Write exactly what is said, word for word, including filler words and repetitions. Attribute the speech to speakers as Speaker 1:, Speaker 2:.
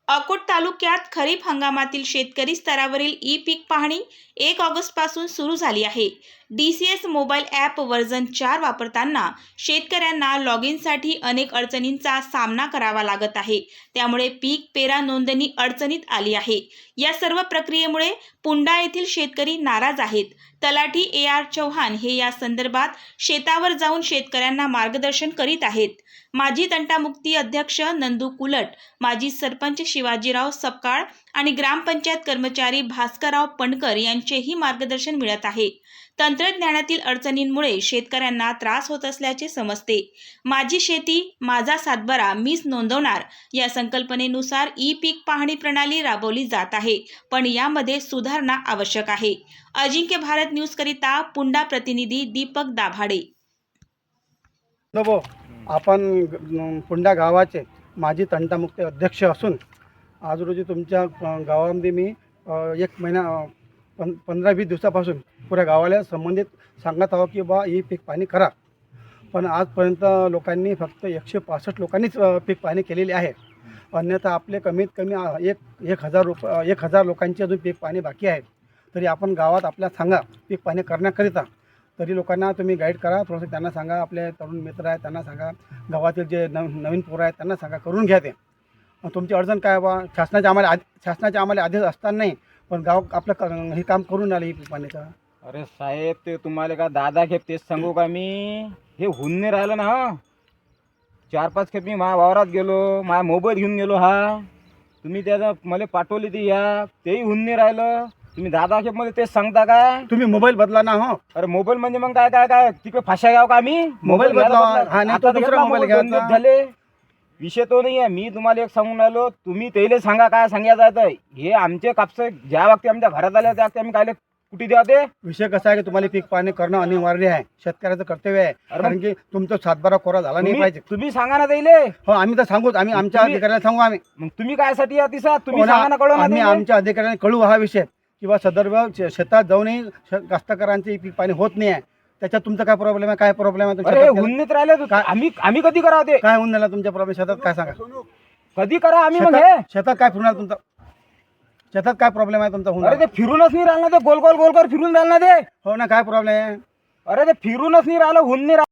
Speaker 1: अकोट तालुक्यात खरीप हंगामातील शेतकरी स्तरावरील ई पीक पाहणी एक ऑगस्ट पासून सुरू झाली आहे। D C S mobile app version चार वापरताना शेतकऱ्यांना लॉग इनसाठी अनेक अडचणींचा सामना करावा लागत आहे। त्यामुळे पीक पेरा नोंदणी अडचणीत आली आहे। या सर्व प्रक्रियेमुळे पुंडा येथील शेतकरी नाराज आहेत। तलाठी ए आर चौहान हे या संदर्भात शेतावर जाऊन शेतकऱ्यांना मार्गदर्शन करीत आहेत। माजी तंटामुक्ती अध्यक्ष नंदू कुलट, माजी सरपंच शिवाजीराव सपकाळ आणि ग्रामपंचायत कर्मचारी भास्करराव पणकर यांचेही मार्गदर्शन मिळत आहे। तंत्रज्ञानातील अडचणींमुळे शेतकऱ्यांना त्रास होत असल्याचे समजते। माझी शेती माझा सातबारा मीच नोंदवणार या संकल्पनेनुसार ई पीक पाहणी प्रणाली राबवली जात आहे, पण यामध्ये सुधारणा आवश्यक आहे। अजिंक्य भारत न्यूज करिता पुंडा प्रतिनिधी दीपक दाभाडे।
Speaker 2: नवो आपण पुंडा गावाचे माजी तंटामुक्ती अध्यक्ष असून आज रोजी तुमच्या गावामध्ये मी एक महिना पं पंधरा वीस दिवसापासून पुऱ्या गावाला संबंधित सांगत आहो की बा ही पीक पाहणी करा, पण आजपर्यंत लोकांनी फक्त एकशे पासष्ट लोकांनीच पीक पाहणी केलेली आहे। अन्यथा आपले कमीत कमी एक एक हजार रुप एक हजार लोकांची अजून पीक पाहणी बाकी आहे। तरी आपण गावात आपल्या सांगा पीक पाहणी करण्याकरिता, तरी लोकांना तुम्ही गाईड करा, थोडंसं त्यांना सांगा, आपले तरुण मित्र आहेत त्यांना सांगा, गावातील जे नव नवीन पोरं आहेत त्यांना सांगा, करून घ्या ते। तुमची अडचण काय बा, शासनाच्या आम्हाला आधी शासनाच्या आम्हाला आदेश असताना नाही, पण गाव आपलं हे काम करून आलं ही पीक पाहणीचं।
Speaker 3: अरे साहेब, ते तुम्हाला का दादा खेप तेच सांगू का मी, हे होऊन नाही राहिलं ना। चार पाच खेप मी माझ्या वावरात गेलो, माझा मोबाईल घेऊन गेलो, हा तुम्ही त्याचा मला पाठवली ती या तेही होऊन नाही राहिलं। तुम्ही दादा खेप मध्ये तेच सांगता का?
Speaker 2: तुम्ही मोबाईल बदला ना। हो,
Speaker 3: अरे मोबाईल म्हणजे मग काय काय काय तिकडे फाशा घ्याव का आम्ही?
Speaker 2: मोबाईल बदला, हा नाही तो दुसरा मोबाईल घ्यायचा
Speaker 3: झाले। विषय तो नाही आहे, मी तुम्हाला एक सांगून राहिलो, तुम्ही त्याला सांगा काय सांगायचं आहे। हे आमचे कापसे ज्या वक्ती आमच्या घरात आले त्या वक्ती आम्ही काय कुठे द्या ते।
Speaker 2: विषय कसा आहे की तुम्हाला पीक पाहणी करणं अनिवार्य आहे, शेतकऱ्याचं कर्तव्य आहे, कारण की तुमचा सातबारा कोरा झाला नाही पाहिजे।
Speaker 3: तुम्ही सांगा ना त्याले।
Speaker 2: हो, आम्ही तर सांगूच, आम्ही आमच्या अधिकाऱ्यांना सांगू। आम्ही
Speaker 3: मग तुम्ही काय साठी या तिसा तुम्ही सांगा ना, कळू ना।
Speaker 2: आम्ही आमच्या अधिकाऱ्यांना कळू हा विषय, किंवा सदर्भ शेतात जाऊनही कास्तकारांची पीक पाणी होत नाही आहे, त्याच्यात तुमचा काय प्रॉब्लेम आहे? काय प्रॉब्लेम आहे
Speaker 3: तुमच्या? हुन्नीत राहिले आम्ही आम्ही कधी करा ते?
Speaker 2: काय होऊन झाला तुमच्या प्रॉब्लेम शेतात? काय सांगा,
Speaker 3: कधी करा आम्ही? मग हे
Speaker 2: शेतात काय फिरणार तुमचा? शेतात काय प्रॉब्लेम आहे तुमचा? होऊन
Speaker 3: अरे ते फिरूनच नाही राहिलं, ते गोल गोल गोल कर फिरून राहिलं ना ते।
Speaker 2: हो ना, काय प्रॉब्लेम आहे?
Speaker 3: अरे ते फिरूनच नाही राहिलं, होऊन नाही